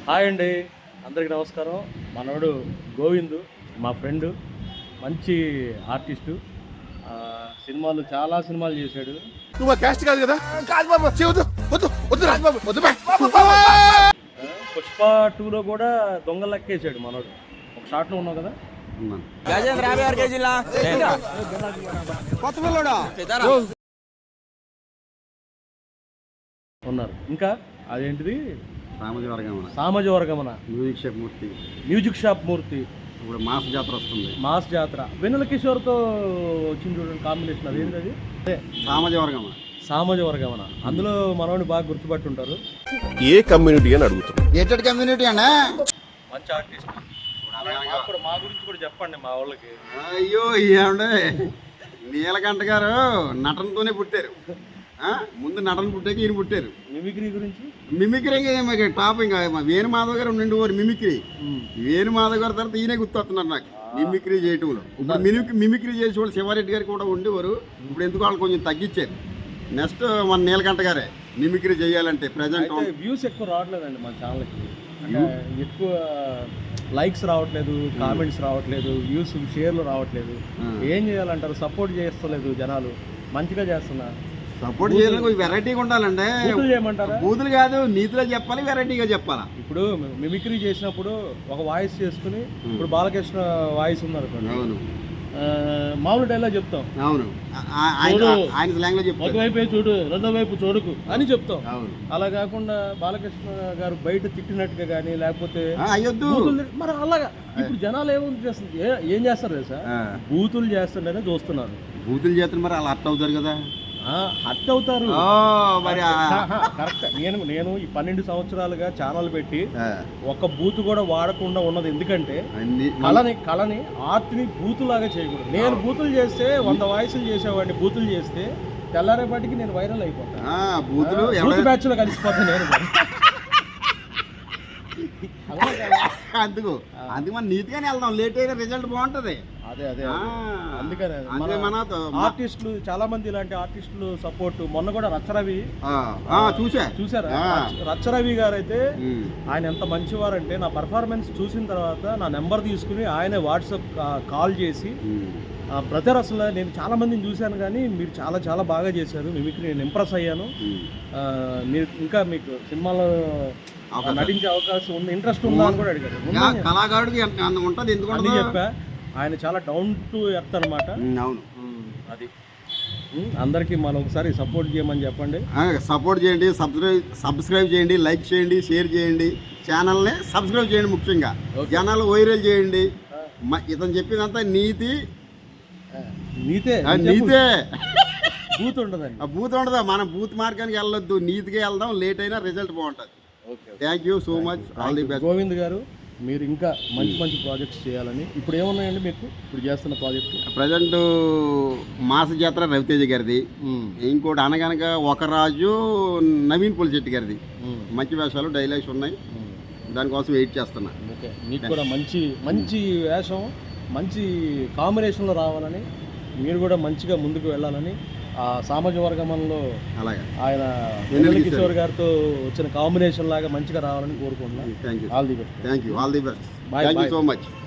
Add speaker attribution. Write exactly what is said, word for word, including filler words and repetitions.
Speaker 1: Hi అండి, అందరికీ నమస్కారం. మనోడు గోవిందు మా ఫ్రెండ్, మంచి ఆర్టిస్టు. సినిమాలు చాలా సినిమాలు చేశాడు.
Speaker 2: నువ్వు క్యాస్ట్ కాదు కదా? కాదు బాబు, వద్దు వద్దు రాజబాబు, వద్దు.
Speaker 1: పుష్ప టూలో కూడా దొంగ లెక్కేసాడు మనోడు. ఒక షాట్లో ఉన్నావు కదా, ఉన్నారు. ఇంకా అదేంటిది, సామాజిక వర్గమన,
Speaker 3: music shop Murthy,
Speaker 1: music shop Murthy.
Speaker 3: ఇప్పుడు మాస్ జాతర వస్తుంది.
Speaker 1: మాస్ జాతర వెన్నెల కిషోర్తో వచ్చింది చూడండి కాంబినేషన్. అదేంటి అది? అదే
Speaker 3: సామాజిక వర్గమన.
Speaker 1: సామాజిక వర్గమన. అందులో మనోడిని బాగా గుర్తుపట్టి ఉంటారు.
Speaker 2: ఏ కమ్యూనిటీ అని అడుగుతున్నారు?
Speaker 3: గేటెడ్ కమ్యూనిటీ అన్నా,
Speaker 1: మంచి ఆర్టిస్ట్. మా గురించి కూడా చెప్పండి మా వాళ్ళకి.
Speaker 3: అయ్యో ఏమండే, నీలకంఠ గారు నటనతోనే పుట్టారు. ముందు నటన పుట్టాక ఈయన పుట్టారు.
Speaker 1: మిమిక్రీ గురించి,
Speaker 3: మిమిక్రీ టాప్. ఇంకా వేణు మాధవ్ గారు ఉండండి వారు మిమిక్రీ. వేణు మాధవ్ గారి తర్వాత ఈయనే గుర్తొస్తున్నారు నాకు మిమిక్రీ చేయటంలో. ఇప్పుడు మిమిక్రీ మిమిక్రీ చేసే వాళ్ళు శివారెడ్డి గారు కూడా ఉండేవారు. ఇప్పుడు ఎందుకు వాళ్ళు కొంచెం తగ్గించారు. నెక్స్ట్ మన నీలకంఠ గారే మిమిక్రీ చేయాలంటే ప్రజెంట్
Speaker 1: వ్యూస్ ఎక్కువ రావట్లేదండి మన ఛానల్కి. అంటే ఎక్కువ లైక్స్ రావట్లేదు, కామెంట్స్ రావట్లేదు, వ్యూస్ షేర్లు రావట్లేదు. ఏం చేయాలంటారు? సపోర్ట్ చేస్తలేదు జనాలు. మంచిగా చేస్తున్నా
Speaker 3: సపోర్ట్ చేయాలని వెరైటీగా ఉండాలండి.
Speaker 1: చేయమంటారా?
Speaker 3: బూతులు కాదు, నీతిలో చెప్పాలి, వెరైటీగా చెప్పాలా.
Speaker 1: ఇప్పుడు మిమిక్రీ చేసినప్పుడు ఒక వాయిస్ చేసుకుని, ఇప్పుడు బాలకృష్ణ వాయిస్ ఉన్నారు,
Speaker 3: అవును,
Speaker 1: మామూలు డైలాగ్ చెప్తాం.
Speaker 3: అవును, ఆయన లాంగ్వేజ్ చెప్తాం.
Speaker 1: ఒకవైపు చూడు, రెండో వైపు చూడకు అని చెప్తాం. అలా కాకుండా బాలకృష్ణ గారు బయట తిట్టినట్టుగా కానీ, లేకపోతే
Speaker 3: అయ్యొద్దు
Speaker 1: మరి అలాగా. ఇప్పుడు జనాలు ఏమో చేస్తుంది, ఏం చేస్తారు తెలుసా? బూతులు చేస్తుంటేనే చూస్తున్నారు.
Speaker 3: బూతులు చేస్తున్నారు, మరి అలా అర్థం అవుతారు కదా,
Speaker 1: హట్ అవుతారు.
Speaker 3: మరి
Speaker 1: కరెక్ట్. నేను నేను ఈ పన్నెండు సంవత్సరాలుగా ఛానల్ పెట్టి ఒక బూత్ కూడా వాడకుండా ఉన్నది ఎందుకంటే కళని కళని ఆర్ట్ని బూతులాగా చేయకూడదు. నేను బూతులు చేస్తే వంద వాయిస్లు చేసేవాడిని, బూతులు చేస్తే తెల్లారేపాటికి నేను వైరల్ అయిపోతాను.
Speaker 3: బూతులు
Speaker 1: బూత్ బ్యాచ్ లో కలిసిపోతాను నేను.
Speaker 3: అందుకు అందుకు మనం నీట్గానే వెళ్దాం, లేట్ అయినా రిజల్ట్ బాగుంటది.
Speaker 1: అదే అదే అందుకనే మన ఆర్టిస్టులు చాలా మంది ఇలాంటి ఆర్టిస్టులు సపోర్ట్. మొన్న కూడా రచ్చరవి
Speaker 3: చూసా
Speaker 1: చూసారా? రచ్చరవి గారు అయితే ఆయన ఎంత మంచివారంటే, నా పర్ఫార్మెన్స్ చూసిన తర్వాత నా నెంబర్ తీసుకుని ఆయనే వాట్సాప్ కాల్ చేసి, బ్రదర్ అసలు నేను చాలా మందిని చూశాను కానీ మీరు చాలా చాలా బాగా చేశారు మిమిక్రీ, నేను ఇంప్రెస్ అయ్యాను. మీరు ఇంకా మీకు సినిమాలో నటించే అవకాశం ఉంది, ఇంట్రెస్ట్ ఉందా అని కూడా అడిగారు.
Speaker 3: కళాకారుడికి ఉంటుంది, ఎందుకంటే
Speaker 1: చెప్పా ఆయన చాలా డౌన్ టు ఎర్త్ అనమాట.
Speaker 3: అవును,
Speaker 1: అది అందరికీ మనం ఒకసారి సపోర్ట్ చేయమని చెప్పండి.
Speaker 3: సపోర్ట్ చేయండి, సబ్స్క్రైబ్ సబ్స్క్రైబ్ చేయండి, లైక్ చేయండి, షేర్ చేయండి, ఛానల్ని సబ్స్క్రైబ్ చేయండి. ముఖ్యంగా జనాలు వైరల్ చేయండి. ఇతను చెప్పినంత నీతి
Speaker 1: నీతే
Speaker 3: నీతే
Speaker 1: బూత్ ఉండదండి.
Speaker 3: బూత్ ఉండదా? మనం బూత్ మార్గానికి వెళ్ళొద్దు, నీతిగా వెళ్దాం, లేట్ అయినా రిజల్ట్ బాగుంటుంది. Thank you so much. All the best.
Speaker 1: Govind garu, మీరు ఇంకా మంచి మంచి ప్రాజెక్ట్స్ చేయాలని. ఇప్పుడు ఏమున్నాయండి మీకు ఇప్పుడు చేస్తున్న ప్రాజెక్టు?
Speaker 3: ప్రజెంట్ మాస జాతర రవితేజ గారిది, ఇంకోటి అనగనగా ఒక రాజు నవీన్ పులిశెట్టి గారిది. మంచి వేషాలు, డైలాగ్స్ ఉన్నాయి, దానికోసం వెయిట్ చేస్తున్నా.
Speaker 1: ఓకే, మీకు కూడా మంచి మంచి వేషం, మంచి కాంబినేషన్లో రావాలని, మీరు కూడా మంచిగా ముందుకు వెళ్ళాలని, ఆ సామాజిక వర్గంలో అలాగే ఆయన వెన్నెల కిషోర్ గారితో వచ్చిన కాంబినేషన్ లాగా మంచిగా రావాలని కోరుకుంటున్నాను.
Speaker 3: Thank you.
Speaker 1: All the best.
Speaker 3: Thank you. All the best. Thank you so much.